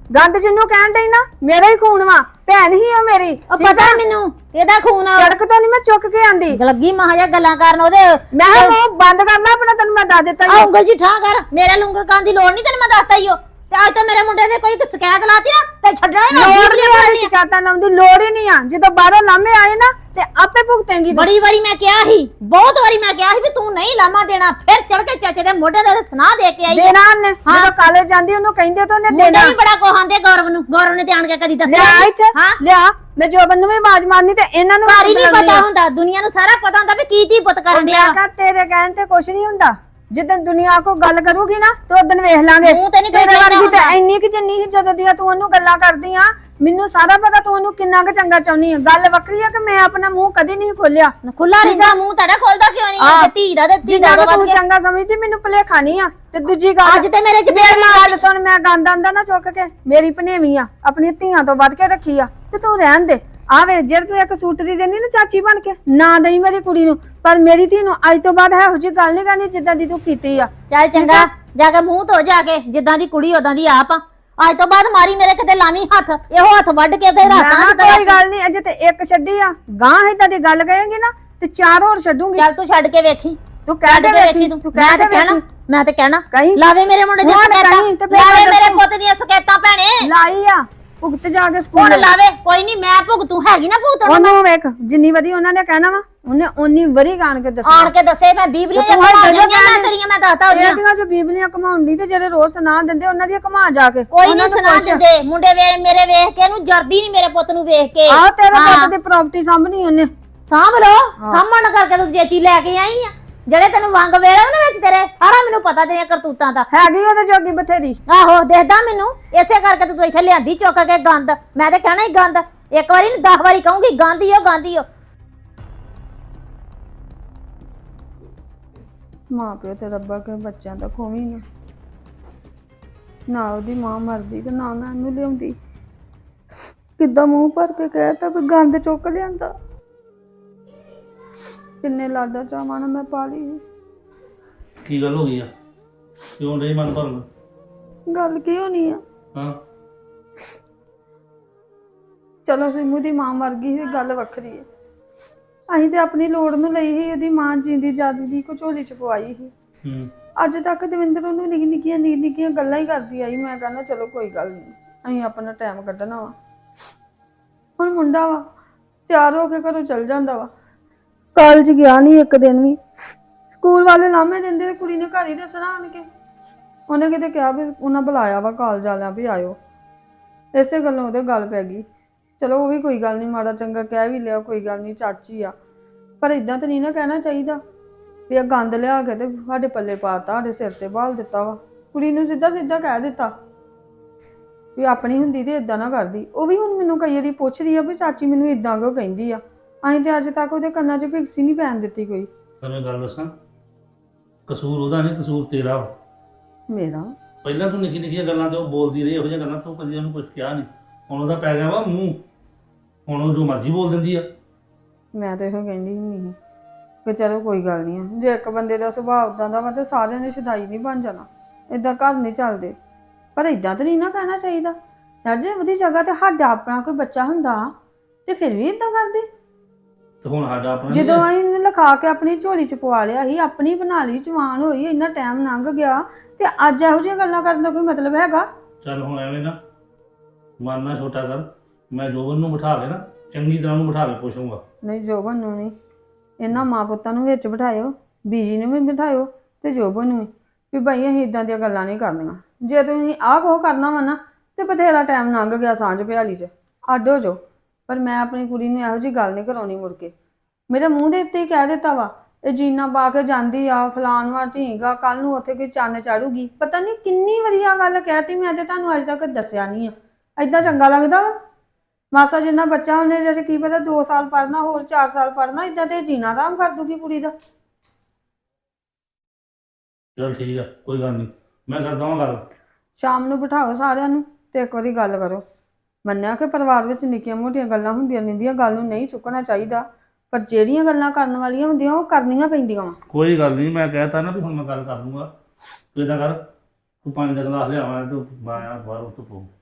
Speaker 5: ਗੰਦ ਜਿੰਨੂੰ ਕਹਿਣ ਡਈ ਨਾ ਮੇਰਾ ਹੀ ਖੂਨ ਵਾ, ਭੈਣ ਹੀ ਉਹ ਮੇਰੀ।
Speaker 3: ਉਹ ਪਤਾ ਮੈਨੂੰ ਇਹਦਾ ਖੂਨ ਆ।
Speaker 5: ਸੜਕ ਤੋਂ ਨਹੀਂ ਮੈਂ ਚੁੱਕ ਕੇ ਆਂਦੀ,
Speaker 3: ਲੱਗੀ ਮਾਂ ਜਾਂ ਗੱਲਾਂ ਕਰਨ ਉਹਦੇ।
Speaker 5: ਮੈਂ ਕਿਹਾ ਮੂੰਹ ਬੰਦ ਕਰਨਾ ਆਪਣਾ, ਤੈਨੂੰ ਮੈਂ ਦੱਸ ਦਿੱਤਾ
Speaker 3: ਆ
Speaker 5: ਈ।
Speaker 3: ਉਂਗਲ ਜੀ ਠਾਂ ਕਰ, ਮੇਰੇ ਲੰਗਰ ਖਾਣ ਦੀ ਲੋੜ ਨਹੀਂ, ਤੈਨੂੰ ਮੈਂ ਦੱਸਤਾ ਹੀ ਉਹ। ਤੇ ਅੱਜ ਤਾਂ ਮੇਰੇ ਮੁੰਡੇ ਨੇ ਕੋਈ ਸ਼ਿਕਾਇਤ ਲਾਤੀ ਨਾ ਤੇ ਛੱਡਣਾ ਹੀ ਨਾ।
Speaker 5: ਲੋੜ ਨਹੀਂ ਆ ਸ਼ਿਕਾਇਤਾਂ ਲਾਉਣ ਦੀ, ਲੋੜ ਹੀ ਨਹੀਂ ਆ। ਜਦੋਂ ਬਾਹਰੋਂ ਲਾਮੇ ਆਏ ਨਾ ਤੇ ਆਪੇ ਭੁਗਤੇਂਗੀ ਤੂੰ।
Speaker 3: ਬੜੀ ਵਾਰੀ ਮੈਂ ਕਿਹਾ ਸੀ, ਬਹੁਤ ਵਾਰੀ ਮੈਂ ਕਿਹਾ ਸੀ ਵੀ ਤੂੰ ਨਹੀਂ ਲਾਮਾ ਦੇਣਾ, ਫਿਰ ਚੜ ਕੇ ਚਾਚੇ ਦੇ ਮੋਢੇ ਤੇ ਸੁਣਾ ਦੇ ਕੇ ਆਈ ਆ।
Speaker 5: ਦੇਣਾ ਉਹਨੇ, ਜਦੋਂ ਕਾਲਜ ਜਾਂਦੀ ਉਹਨੂੰ ਕਹਿੰਦੇ ਤਾਂ ਉਹਨੇ
Speaker 3: ਮੁੰਡੇ
Speaker 5: ਦੇਣਾ।
Speaker 3: ਵੀ ਬੜਾ ਕੋਹਾਂਦੇ ਗੌਰਵ ਨੂੰ, ਗੌਰਵ ਨੇ ਧਿਆਨ ਕੇ ਕਦੀ ਦੱਸਿਆ
Speaker 5: ਲਿਆ
Speaker 3: ਨੀ।
Speaker 5: ਇੱਥੇ
Speaker 3: ਹਾਂ
Speaker 5: ਲਿਆ, ਮੈਂ ਜੋਬਨ ਨੂੰ ਵੀ ਆਵਾਜ਼ ਮਾਰਨੀ ਤੇ ਇਹਨਾਂ ਨੂੰ
Speaker 3: ਘਰ ਹੀ ਨਹੀਂ
Speaker 5: ਬੁਲਾਉਣੀ
Speaker 3: ਪਤਾ
Speaker 5: ਆ।
Speaker 3: ਹੁੰਦਾ, ਦੁਨੀਆ ਨੂੰ ਸਾਰਾ ਪਤਾ ਹੁੰਦਾ ਵੀ ਕੀ ਧੀ ਪੁੱਤ ਕਰਨ ਡਿਆ।
Speaker 5: ਮੈਂ ਕਿਹਾ ਤੇਰੇ ਕਹਿਣ ਤੇ ਕੁਛ ਨਹੀਂ ਹੁੰਦਾ, ਜਿੱਦਣ ਦੁਨੀਆ ਕੋ ਗੱਲ ਕਰੂਗੀ ਨਾ ਤੇ ਉਦੋਂ ਵੇਖ ਲਾਂਗੇ।
Speaker 3: ਮੂੰਹ ਤੇ ਨੀ ਕੋਈ
Speaker 5: ਤੇਰੇ
Speaker 3: ਕਹਿੰਦਾ
Speaker 5: ਵਰਗੀ ਤੇ
Speaker 3: ਹੁੰਦਾ।
Speaker 5: ਇੰਨੀ ਕਿ ਜਿੰਨੀ ਸੀ ਜਦੋਂ ਦੀਆਂ ਤੂੰ ਉਹਨੂੰ ਗੱਲਾਂ ਕਰਦੀ ਆ, ਮੈਨੂੰ ਸਾਰਾ ਪਤਾ ਤੂੰ ਉਹਨੂੰ ਕਿੰਨਾ ਕੁ ਚੰਗਾ ਚਾਹੁੰਦੀ ਆ। ਗੱਲ ਵੱਖਰੀ ਆ ਕਿ ਮੈਂ ਆਪਣਾ ਮੂੰਹ ਕਦੀ ਨਹੀਂ ਖੋਲਿਆ।
Speaker 3: ਖੁੱਲਾ ਰਹਿੰਦਾ ਮੂੰਹ ਤੁਹਾਡਾ, ਖੋਲਦਾ ਕਿਉਂ ਨਹੀਂ?
Speaker 5: ਆਹ,
Speaker 3: ਤੇ ਧੀ ਦਾ ਤੇ ਧੀ
Speaker 5: ਜਿੰਨਾ
Speaker 3: ਦਾ
Speaker 5: ਕੁ
Speaker 3: ਵੱਧ
Speaker 5: ਤੂੰ
Speaker 3: ਕੇ
Speaker 5: ਚੰਗਾ ਸਮਝਦੀ ਮੈਨੂੰ ਭੁਲੇਖਾ ਨਹੀਂ ਆ। ਤੇ ਦੂਜੀ ਗੱਲ,
Speaker 3: ਅੱਜ ਤੇ ਮੇਰੇ ਚ
Speaker 5: ਮੇਰੀ ਗੱਲ ਸੁਣ, ਮੈਂ ਗੰਦ ਆਂਦਾ ਨਾ ਚੁੱਕ ਕੇ, ਮੇਰੀ ਭਨੇਵੀਂ ਆ, ਆਪਣੀਆਂ ਧੀਆਂ ਤੋਂ ਵੱਧ ਕੇ ਰੱਖੀ ਆ, ਤੇ ਤੂੰ ਰਹਿਣ ਦੇ। ਆ ਵੇ ਜੇ ਤੂੰ ਇੱਕ ਸੂਟਰੀ ਦੇਣੀ ਨਾ ਚਾਚੀ ਬਣ ਕੇ, ਨਾ ਦੇਈ ਮੇਰੀ ਕੁੜੀ ਨੂੰ, ਪਰ ਮੇਰੀ ਧੀ ਨੂੰ ਅੱਜ ਤੋਂ ਬਾਅਦ ਇਹੋ ਜਿਹੀ ਗੱਲ ਨਹੀਂ ਕਰਨੀ ਜਿੱਦਾਂ ਦੀ ਤੂੰ ਕੀਤੀ ਆ।
Speaker 3: ਚੱਲ ਚੰਗਾ, ਜਾ ਕੇ ਮੂੰਹ ਧੋ ਜਾ ਕੇ, ਜਿੱਦਾਂ ਦੀ ਕੁੜੀ ਉਦਾਂ ਦੀ ਆਪ ਆ। ਅੱਜ ਤੋਂ ਬਾਅਦ ਮਾਰੀ ਮੇਰੇ ਕਿਤੇ ਲਾਵੀਂ ਹੱਥ, ਇਹੋ ਹੱਥ ਵੱਢ ਕੇ ਤੇ
Speaker 5: ਮੈਂ
Speaker 3: ਰਾਤਾਂ
Speaker 5: ਕਿਹਾ ਕੋਈ ਗੱਲ ਨਹੀਂ, ਅਜੇ ਤੇ ਇੱਕ ਛੱਡੀ ਆ, ਗਾਂ ਏਦਾਂ ਦੀ ਗੱਲ ਕਹੇਂਗੀ ਨਾ ਤੇ ਚਾਰ ਹੋਰ ਛੱਡੂਗੀ।
Speaker 3: ਚੱਲ ਤੂੰ ਛੱਡ ਕੇ ਵੇਖੀ,
Speaker 5: ਤੂੰ ਕਹਿ
Speaker 3: ਛੱਡ
Speaker 5: ਦੇ
Speaker 3: ਕੇ ਵੇਖੀ
Speaker 5: ਵੇਖੀ,
Speaker 3: ਤੂੰ।
Speaker 5: ਤੂੰ
Speaker 3: ਮੈਂ
Speaker 5: ਕਹਿ
Speaker 3: ਤੇ
Speaker 5: ਦੇ
Speaker 3: ਕਹਿਣਾ,
Speaker 5: ਵੇਖੀ।
Speaker 3: ਮੈਂ ਤੇ ਕਹਿਣਾ
Speaker 5: ਕਹੀਂ।
Speaker 3: ਲਾਵੇ ਮੇਰੇ ਮੁੰਡੇ ਦੀਆਂ
Speaker 5: ਹੁਣ
Speaker 3: ਸਕੈਤਾਂ,
Speaker 5: ਕਹੀਂ ਤੇ ਫਿਰ
Speaker 3: ਲਾਵੇ
Speaker 5: ਮੈਂ
Speaker 3: ਮੇਰੇ
Speaker 5: ਦੱਸੂ।
Speaker 3: ਪੁੱਤ ਦੀਆਂ ਸਕੈਤਾਂ ਭੈਣੇ।
Speaker 5: ਲਾਈ ਆ ਭੁਗਤ ਜਾ ਕੇ
Speaker 3: ਹੁਣ
Speaker 5: ਸਕੂਲ।
Speaker 3: ਲਾਵੇ, ਕੋਈ ਨਹੀਂ, ਮੈਂ ਭੁਗਤੂ, ਹੈਗੀ ਨਾ ਭੁਗਤਣ।
Speaker 5: ਉਹਨੂੰ ਵੇਖ, ਜਿੰਨੀ ਵਾਰੀ ਉਹਨਾਂ ਨੇ ਕਹਿਣਾ ਵਾ ਉਹਨੇ ਓਨੀ ਵਾਰੀ ਗਾਣ ਕੇ ਦੱਸਣਾ।
Speaker 3: ਆਣ ਕੇ ਦੱਸੇ ਮੈਂ ਬੀਬਲੀਆਂ
Speaker 5: ਤੂੰ
Speaker 3: ਜਾਂ
Speaker 5: ਹਰ
Speaker 3: ਕਮਾ
Speaker 5: ਜਗ੍ਹਾ
Speaker 3: ਗਈਆਂ ਮੈਂ ਤੇਰੀਆਂ, ਮੈਂ ਦੱਸਤਾ ਉਹਦੀਆਂ।
Speaker 5: ਇਹਦੀਆਂ ਜੋ ਬੀਬਲੀਆਂ ਘਮਾਉਣੀ ਤੇ ਜਿਹੜੇ ਰੋਜ਼ ਸੁਣਾ ਦਿੰਦੇ ਉਹਨਾਂ ਦੀਆਂ ਘਮਾ ਜਾ ਕੇ।
Speaker 3: ਕੋਈ
Speaker 5: ਉਹਨਾਂ
Speaker 3: ਨਹੀਂ
Speaker 5: ਨੂੰ
Speaker 3: ਸੁਣਾ
Speaker 5: ਪੁੱਛ।
Speaker 3: ਦਿੰਦੇ, ਮੁੰਡੇ ਵੇ ਮੇਰੇ ਵੇਖ ਕੇ ਇਹਨੂੰ ਜਰਦੀ ਨਹੀਂ, ਮੇਰੇ ਪੁੱਤ ਨੂੰ ਵੇਖ ਕੇ।
Speaker 5: ਆਹ ਤੇਰੇ
Speaker 3: ਹਾਂ।
Speaker 5: ਪੁੱਤ ਦੀ ਪ੍ਰਾਪਰਟੀ ਸਾਂਭਣੀ ਉਹਨੇ।
Speaker 3: ਸਾਂਭ ਲੋ, ਸਾਂਭਣ ਕਰਕੇ ਤੂੰ ਜੇ ਚੀਜ਼ ਲੈ ਕੇ ਆਈ ਆ, ਜਿਹੜੇ ਤੈਨੂੰ ਵੰਗ ਵੇਲੇ ਉਹਨਾਂ ਵਿੱਚ ਤੇਰੇ, ਸਾਰਾ ਮੈਨੂੰ ਪਤਾ ਤੇਰੀਆਂ ਕਰਤੂਤਾਂ ਦਾ।
Speaker 5: ਹੈਗੀ ਉਹਦੇ ਜੋਗੀ ਬਥੇਰੀ।
Speaker 3: ਆਹੋ ਦੇਖਦਾ ਮੈਨੂੰ, ਇਸੇ ਕਰਕੇ ਤੂੰ ਇੱਥੇ ਲਿਆਂਦੀ ਚੁੱਕ ਕੇ ਗੰਦ। ਮੈਂ ਤੇ ਕਹਿਣਾ ਹੀ ਗੰਦ, ਇੱਕ ਵਾਰੀ ਨਹੀਂ ਦਸ ਵਾਰੀ ਕਹੂੰਗੀ ਗੰਦ ਹੀ ਉਹ, ਗੰਦ ਹੀ ਉਹ।
Speaker 5: ਮਾਂ ਪਿਓ ਤੇ ਰੱਬਾ ਕੇ ਬੱਚਿਆਂ ਦਾ ਖੋਵੀ ਨਾ, ਨਾ ਉਹਦੀ ਮਾਂ ਮਰਦੀ ਤੇ ਨਾ ਮੈਂ ਉਹਨੂੰ ਲਿਆਉਂਦੀ। ਕਿੱਦਾਂ ਮੂੰਹ ਭਰ ਕੇ ਕਹਿਤਾ ਵੀ ਗੰਦ ਚੁੱਕ ਲਿਆਂਦਾ। ਕਿੰਨੇ ਲਾਡਾ ਚਾਵਾਂ ਨਾਲ ਮੈਂ ਪਾਲੀ ਸੀ।
Speaker 6: ਕੀ ਗੱਲ ਹੋ ਗਈ ਆ? ਕਿਉਂ ਨਹੀਂ ਮਨ ਭਰਨ?
Speaker 5: ਗੱਲ ਕੀ ਹੋਣੀ ਆ?
Speaker 6: ਹਾਂ,
Speaker 5: ਚਲੋ ਸਿੰਮੂ ਦੀ ਮਾਂ ਮਰ ਗਈ ਸੀ, ਗੱਲ ਵੱਖਰੀ ਹੈ। ਅਸੀਂ ਤੇ ਆਪਣੀ ਲੋੜ ਨੂੰ ਲਈ ਸੀ, ਉਹਦੀ ਮਾਂ ਜਿੰਦੀ ਜਾਦੀ ਦੀ ਝੋਲੀ ਚ ਪਵਾਈ ਸੀ।
Speaker 6: ਹੂੰ,
Speaker 5: ਅੱਜ ਤੱਕ ਦਵਿੰਦਰ ਉਹਨੂੰ ਨਿੱਕੀ ਨਿੱਕੀਆਂ ਨਿੱਕੀ ਨਿੱਕੀਆਂ ਗੱਲਾਂ ਹੀ ਕਰਦੀ ਆਈ। ਮੈਂ ਕਹਿੰਦਾ ਚਲੋ ਕੋਈ ਗੱਲ ਨਹੀਂ, ਅਸੀਂ ਆਪਣਾ ਟਾਈਮ ਕੱਢਣਾ ਵਾ। ਹੁਣ ਮੁੰਡਾ ਵਾ, ਤਿਆਰ ਹੋ ਕੇ ਘਰੋਂ ਚਲ ਜਾਂਦਾ ਵਾ, ਕਾਲਜ ਗਿਆ ਨਹੀਂ ਇੱਕ ਦਿਨ ਵੀ। ਸਕੂਲ ਵਾਲੇ ਲਾਮੇ ਦਿੰਦੇ ਤੇ ਕੁੜੀ ਨੇ ਘਰ ਹੀ ਦੱਸਣਾ ਆਣ ਕੇ। ਉਹਨੇ ਕਿਤੇ ਕਿਹਾ ਵੀ ਉਹਨਾਂ ਬੁਲਾਇਆ ਵਾ ਕਾਲਜ ਵਾਲਿਆਂ ਵੀ ਆਇਓ, ਇਸੇ ਗੱਲੋਂ ਉਹਦੇ ਗੱਲ ਪੈ ਗਈ। ਚਲੋ ਉਹ ਵੀ ਕੋਈ ਗੱਲ ਨਹੀਂ, ਮਾੜਾ ਚੰਗਾ ਕਹਿ ਵੀ ਲਿਆ, ਕੋਈ ਗੱਲ ਨਹੀਂ, ਚਾਚੀ ਆ। ਪਰ ਇਦਾਂ ਤਾਂ ਨਹੀਂ ਨਾ ਕਹਿਣਾ ਚਾਹੀਦਾ ਵੀ ਆ ਗੰਦ ਲਿਆ ਕੇ ਤੇ ਸਾਡੇ ਪੱਲੇ ਪਾਤਾ, ਸਾਡੇ ਸਿਰ ਤੇ ਬਾਲ ਦਿੱਤਾ ਵਾ। ਕੁੜੀ ਨੂੰ ਸਿੱਧਾ ਸਿੱਧਾ ਕਹਿ ਦਿੱਤਾ ਵੀ ਆਪਣੀ ਹੁੰਦੀ ਤੇ ਇਦਾਂ ਨਾ ਕਰਦੀ। ਉਹ ਵੀ ਹੁਣ ਮੈਨੂੰ ਕਈ ਵਾਰੀ ਪੁੱਛਦੀ ਆ ਵੀ ਚਾਚੀ ਮੈਨੂੰ ਇਦਾਂ ਕਿਉਂ ਕਹਿੰਦੀ ਆ। ਅਸੀਂ ਤੇ ਅੱਜ ਤੱਕ ਉਹਦੇ ਕੰਨਾਂ 'ਚ ਭਿਕਸੀ ਨਹੀਂ ਪੈਣ ਦਿੱਤੀ ਕੋਈ।
Speaker 6: ਤੈਨੂੰ ਗੱਲ ਦੱਸਾਂ, ਕਸੂਰ ਉਹਦਾ ਨਹੀਂ, ਕਸੂਰ ਤੇਰਾ ਵਾ।
Speaker 5: ਮੇਰਾ
Speaker 6: ਪਹਿਲਾਂ ਤੂੰ ਨਿੱਕੀ ਨਿੱਕੀਆਂ ਗੱਲਾਂ ਤੇ ਉਹ ਬੋਲਦੀ ਰਹੀ, ਇਹੋ ਜਿਹੀਆਂ ਗੱਲਾਂ ਤੂੰ ਕਦੀ ਉਹਨੂੰ ਕੁਝ ਕਿਹਾ ਨਹੀਂ। ਹੁਣ ਉਹਦਾ ਪੈ ਗਿਆ ਵਾ ਮੂੰਹ, ਹੁਣ ਉਹ ਜੋ ਮਰਜ਼ੀ ਬੋਲ ਦਿੰਦੀ ਆ।
Speaker 5: ਮੈਂ ਤਾਂ ਇਹੋ ਕਹਿੰਦੀ ਨਹੀਂ ਕਿ ਚਲੋ ਕੋਈ ਗੱਲ ਨਹੀਂ ਆ। ਜੇ ਇੱਕ ਬੰਦੇ ਦਾ ਸੁਭਾਅ ਉਦਾਂ ਦਾ ਵਾ ਤੇ ਸਾਰਿਆਂ ਨੇ ਸ਼ਦਾਈ ਨਹੀਂ ਬਣ ਜਾਣਾ, ਇਦਾਂ ਘਰ ਨਹੀਂ ਚੱਲਦੇ। ਪਰ ਇਦਾਂ ਤਾਂ ਨਹੀਂ ਨਾ ਕਹਿਣਾ ਚਾਹੀਦਾ ਯਾਰ। ਜੇ ਉਹਦੀ ਜਗ੍ਹਾ ਤੇ ਸਾਡਾ ਆਪਣਾ ਕੋਈ ਬੱਚਾ ਹੁੰਦਾ ਤੇ ਫਿਰ ਵੀ ਇਦਾਂ ਕਰਦੇ।
Speaker 6: ਤੇ ਹੁਣ ਸਾਡਾ ਆਪਣਾ
Speaker 5: ਜਦੋਂ ਅਸੀਂ ਇਹਨੂੰ ਲਿਖਾ ਕੇ ਆਪਣੀ ਝੋਲੀ ਚ ਪਵਾ ਲਿਆ ਸੀ, ਆਪਣੀ ਬਣਾ ਲਈ, ਜਵਾਨ ਹੋਈ, ਇੰਨਾ ਟਾਈਮ ਲੰਘ ਗਿਆ ਤੇ ਅੱਜ ਇਹੋ ਜਿਹੀਆਂ ਗੱਲਾਂ ਕਰਨ ਦਾ ਕੋਈ ਮਤਲਬ ਹੈਗਾ?
Speaker 6: ਚੱਲ ਹੁਣ ਐਵੇਂ ਨਾ ਮਨ ਨਾ ਛੋਟਾ ਕਰ। ਮੈਂ ਜੋਬਨ ਨੂੰ ਬਿਠਾ ਕੇ ਨਾ ਚੰਗੀ ਤਰ੍ਹਾਂ ਨੂੰ ਬਿਠਾ ਕੇ ਪੁੱਛੂੰਗਾ।
Speaker 5: ਨਹੀਂ, ਜੋਬਨ ਨੂੰ ਨਹੀਂ, ਇਹਨਾਂ ਮਾਂ ਪੁੱਤਾਂ ਨੂੰ ਵਿੱਚ ਬਿਠਾਇਓ, ਬੀਜੀ ਨੂੰ ਵੀ ਬਿਠਾਇਓ ਤੇ ਜੋਬਨ ਨੂੰ ਵੀ, ਵੀ ਭਾਈ ਅਸੀਂ ਇਦਾਂ ਦੀਆਂ ਗੱਲਾਂ ਨਹੀਂ ਕਰਨੀਆਂ। ਜੇ ਤੁਸੀਂ ਆਹ ਕੋ ਕਰਨਾ ਵਾ ਨਾ ਤੇ ਬਥੇਰਾ ਟਾਈਮ ਲੰਘ ਗਿਆ ਸਾਂਝ ਪਿਆਲੀ 'ਚ, ਅੱਡ ਹੋ ਜਾਓ। ਪਰ ਮੈਂ ਆਪਣੀ ਕੁੜੀ ਨੂੰ ਇਹੋ ਜਿਹੀ ਗੱਲ ਨਹੀਂ ਕਰਾਉਣੀ ਮੁੜ ਕੇ। ਮੇਰੇ ਮੂੰਹ ਦੇ ਉੱਤੇ ਹੀ ਕਹਿ ਦਿੱਤਾ ਵਾ, ਇਹ ਜੀਨਾ ਪਾ ਕੇ ਜਾਂਦੀ ਆ ਫਲਾਨ ਵਾ ਢੀਂਗਾ, ਕੱਲ ਨੂੰ ਉੱਥੇ ਕੋਈ ਚੰਨ ਚਾੜੂਗੀ। ਪਤਾ ਨਹੀਂ ਕਿੰਨੀ ਵਾਰੀ ਆ ਗੱਲ ਕਹਿਤੀ, ਮੈਂ ਤੇ ਤੁਹਾਨੂੰ ਅੱਜ ਤੱਕ ਦੱਸਿਆ ਨਹੀਂ ਆ। ਏਦਾਂ ਚੰਗਾ ਲੱਗਦਾ ਵਾ? ਮਾਸਾ ਜਿੰਨਾ ਬੱਚਾ ਉਹਨੇ ਜੈਸੇ ਕੀ ਪਤਾ ਦੋ ਸਾਲ ਪੜ੍ਹਨਾ, ਹੋਰ ਚਾਰ ਸਾਲ ਪੜ੍ਹਨਾ, ਏਦਾਂ ਤੇ ਜੀਣਾ ਆਰਾਮ ਕਰ ਦੂਗੀ ਕੁੜੀ ਦਾ।
Speaker 6: ਚੱਲ ਠੀਕ ਆ, ਕੋਈ ਗੱਲ ਨਹੀਂ, ਮੈਂ ਕਰਦਾ ਹਾਂ ਗੱਲ।
Speaker 5: ਸ਼ਾਮ ਨੂੰ ਬਿਠਾਓ ਸਾਰਿਆਂ ਨੂੰ ਤੇ ਇੱਕ ਵਾਰੀ ਗੱਲ ਕਰੋ। ਮੰਨਿਆ ਕਿ ਪਰਿਵਾਰ ਵਿੱਚ ਨਿੱਕੀਆਂ ਮੋਟੀਆਂ ਗੱਲਾਂ ਹੁੰਦੀਆਂ ਰਹਿੰਦੀਆਂ, ਗੱਲ ਨੂੰ ਨਹੀਂ ਚੁੱਕਣਾ ਚਾਹੀਦਾ, ਪਰ ਜਿਹੜੀਆਂ ਗੱਲਾਂ ਕਰਨ ਵਾਲੀਆਂ ਹੁੰਦੀਆਂ ਉਹ ਕਰਨੀਆਂ ਪੈਂਦੀਆਂ ਵਾ।
Speaker 6: ਕੋਈ ਗੱਲ ਨਹੀਂ, ਮੈਂ ਕਹਿਤਾ ਨਾ ਵੀ ਹੁਣ ਮੈਂ ਗੱਲ ਕਰ ਲੂੰਗਾ। ਤੂੰ ਏਦਾਂ ਕਰ, ਤੂੰ ਪਾਣੀ ਦਾ ਗਲਾਸ ਲਿਆਵਾਂ ਤੇ ਮੈਂ ਬਾਹਰ ਉੱਤੋਂ ਪਊ।